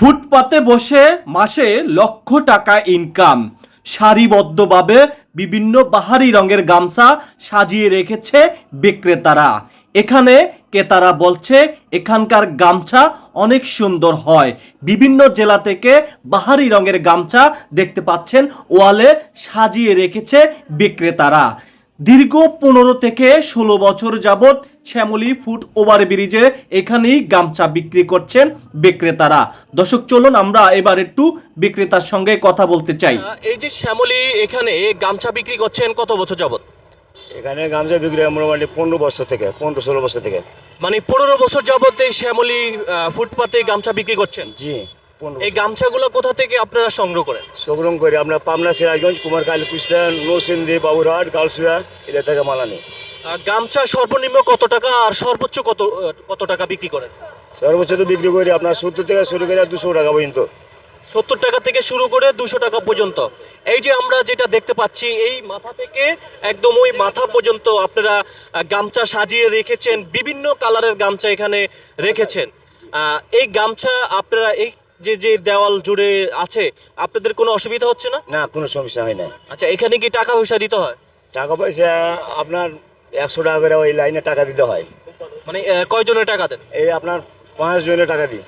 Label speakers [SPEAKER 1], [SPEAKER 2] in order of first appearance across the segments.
[SPEAKER 1] ফুটপাতে বসে মাসে লক্ষ টাকা ইনকাম। সারিবদ্ধভাবে বিভিন্ন বাহারি রঙের গামছা সাজিয়ে রেখেছে বিক্রেতারা। এখানে ক্রেতারা বলছে এখানকার গামছা অনেক সুন্দর হয়। বিভিন্ন জেলা থেকে বাহারি রঙের গামছা দেখতে পাচ্ছেন ওয়ালে সাজিয়ে রেখেছে বিক্রেতারা। দীর্ঘ 15 থেকে 16 বছর যাবৎ শ্যামলী ফুট ওভারব্রিজে এখানেই গামছা বিক্রি করছেন বিক্রেতারা। দর্শক চলুন আমরা এবার একটু বিক্রেতার সঙ্গে কথা বলতে চাই। এই যে শ্যামলী এখানে গামছা বিক্রি করছেন কত বছর যাবৎ?
[SPEAKER 2] এখানে গামছা বিক্রি হয় মোটামুটি 15 বছর থেকে 15-16 বছর থেকে।
[SPEAKER 1] মানে 15 বছর যাবৎ এই শ্যামলী ফুটপাতে গামছা বিক্রি করছেন?
[SPEAKER 2] জি, 15
[SPEAKER 1] এই গামছাগুলো কোথা থেকে আপনারা সংগ্রহ করেন?
[SPEAKER 2] সংগ্রহ করে আমরা পাবনা, সিরাজগঞ্জ, কুমারখালী, কুষ্টিয়া, নরসিংদী, বাবুরহাট, গালসুয়া এটা থেকে মাল আনি।
[SPEAKER 1] গামছা সর্বনিম্ন কত টাকা আর সর্বোচ্চ কত টাকা বিক্রি করেন?
[SPEAKER 2] সর্বোচ্চ তো বিক্রি করি আপনার 70 থেকে শুরু করে 200 টাকা পর্যন্ত।
[SPEAKER 1] 70 টাকা থেকে শুরু করে 200 টাকা পর্যন্ত। এই যে আমরা যেটা দেখতে পাচ্ছি এই মাথা থেকে একদম ওই মাথা পর্যন্ত আপনারা গামছা সাজিয়ে রেখেছেন, বিভিন্ন কালারের গামছা এখানে রেখেছেন। এই গামছা আপনারা এই যে দেওয়াল জুড়ে আছে আপনাদের কোনো অসুবিধা হচ্ছে না?
[SPEAKER 2] না, কোনো সমস্যা হয় না।
[SPEAKER 1] আচ্ছা, এখানে কি টাকা পয়সা দিতে হয়?
[SPEAKER 2] টাকা পয়সা আপনার 100 টাকা করে ওই লাইনে টাকা দিতে হয়।
[SPEAKER 1] মানে কয়জনের টাকা দেন?
[SPEAKER 2] এই আপনার 5 জনের টাকা দিই।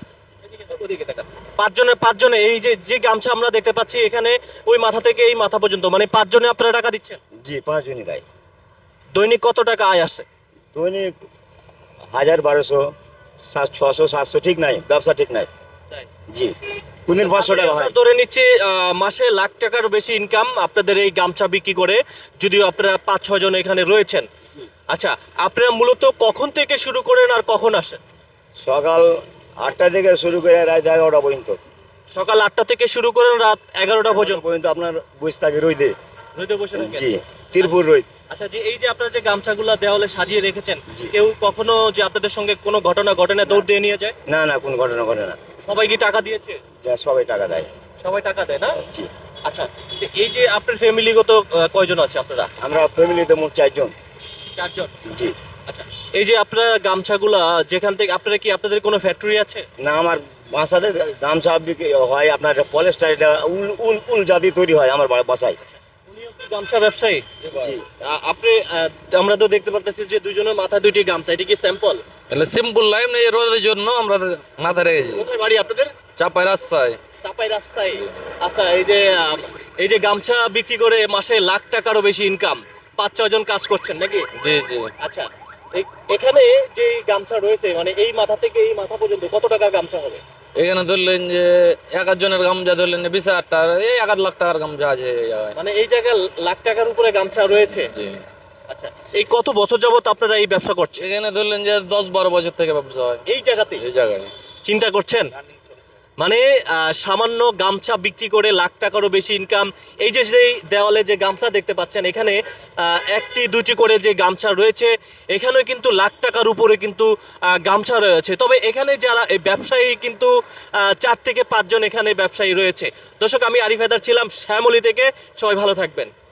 [SPEAKER 1] পাঁচজনে এই যে গামছা আমরা দেখতে পাচ্ছি এখানে ওই মাথা থেকে এই মাথা পর্যন্ত, মানে 5 জনে আপনারা টাকা দিচ্ছেন?
[SPEAKER 2] জি, 5 জনই গাই।
[SPEAKER 1] দৈনিক কত টাকা আয় আসে?
[SPEAKER 2] দৈনিক 1000, 1200, 600, 700 ঠিক নাই, ব্যবসা ঠিক নাই। জি, কোনদিন 500 টাকা হয়।
[SPEAKER 1] ধরে নিচ্ছি মাসে লাখ টাকার বেশি ইনকাম আপনাদের এই গামছা বিক্রি করে, যদিও আপনারা 5-6 জন এখানে রয়েছেন। আচ্ছা, আপনারা মূলত কখন থেকে শুরু করেন আর কখন আসেন?
[SPEAKER 2] সকাল 8টা থেকে শুরু করে রাত 11টা পর্যন্ত।
[SPEAKER 1] সকাল 8টা থেকে শুরু করেন রাত 11টা পর্যন্ত
[SPEAKER 2] আপনার বসে থাকে রইদে।
[SPEAKER 1] রোদে বসে থাকেন?
[SPEAKER 2] জি, তিরপুর রইদ।
[SPEAKER 1] আচ্ছা, যে এই যে আপনারা যে গামছাগুলো দেওয়ালে সাজিয়ে রেখেছেন, কেউ কখনো যে আপনাদের সঙ্গে কোনো ঘটনা ঘটনা দৌড় দিয়ে নিয়ে যায়?
[SPEAKER 2] না না, কোনো ঘটনা ঘটে না।
[SPEAKER 1] সবাই কি টাকা দিয়েছে?
[SPEAKER 2] যা সবাই টাকা দেয়।
[SPEAKER 1] সবাই টাকা দেয় না?
[SPEAKER 2] জি।
[SPEAKER 1] আচ্ছা, তো এই যে আপনার ফ্যামিলিগত কয়জন আছে আপনারা?
[SPEAKER 2] আমরা ফ্যামিলিতে মোট 4 জন।
[SPEAKER 1] 4 জন?
[SPEAKER 2] জি।
[SPEAKER 1] আচ্ছা, এই যে আপনারা গামছাগুলা যেখান থেকে আপনারা কি আপনাদের কোনো ফ্যাক্টরি আছে?
[SPEAKER 2] না, আমার বাসাতে গামছা বিক্রি হয় আপনার পলিস্টার, এটা উল উল উল জাতি তৈরি হয় আমার বাসায়।
[SPEAKER 1] উনিও কি গামছা ব্যবসায়ী?
[SPEAKER 2] জি।
[SPEAKER 1] আপনি আমরা তো দেখতে পারতেছি যে দুইজনের মাথা দুইটি গামছা, এটা কি স্যাম্পল?
[SPEAKER 3] তাহলে সিম্পল লাইফ নেই, রোদের জন্য আমরা মাথা রেখেছি।
[SPEAKER 1] কোথায় বাড়ি আপনাদের?
[SPEAKER 3] চাপাই রাস্তায়।
[SPEAKER 1] চাপাই রাস্তায়। আচ্ছা, এই যে গামছা বিক্রি করে মাসে লাখ টাকারও বেশি ইনকাম, 5-6 জন কাজ করছেন নাকি?
[SPEAKER 3] জি জি।
[SPEAKER 1] আচ্ছা, এখানে যে গামছা রয়েছে মানে এই মাথা থেকে এই মাথা পর্যন্ত কত টাকার গামছা হবে?
[SPEAKER 3] এখানে ধরলেন যে 1 জনের গামছা ধরলেন যে 20,000 টাকা, এই 1 লাখ টাকার গামছা আছে এই জায়গায়।
[SPEAKER 1] মানে এই জায়গায় লাখ টাকার উপরে গামছা রয়েছে?
[SPEAKER 3] জি।
[SPEAKER 1] আচ্ছা, এই কত বছর যাবত আপনারা এই ব্যবসা করছেন?
[SPEAKER 3] এখানে ধরলেন যে 10-12 বছর থেকে ব্যবসা হয়
[SPEAKER 1] এই জায়গাতে?
[SPEAKER 3] এই জায়গায়।
[SPEAKER 1] চিন্তা করছেন মানে সামান্য গামছা বিক্রি করে লাখ টাকারও বেশি ইনকাম। এই যে যেই দেওয়ালে যে গামছা দেখতে পাচ্ছেন এখানে 1টি 2টি করে যে গামছা রয়েছে, এখানেও কিন্তু লাখ টাকার উপরে কিন্তু গামছা রয়েছে। তবে এখানে যারা এই ব্যবসায়ী কিন্তু 4 থেকে 5 জন এখানে ব্যবসায়ী রয়েছে। দর্শক, আমি আরিফ হায়দার ছিলাম শ্যামলী থেকে। সবাই ভালো থাকবেন।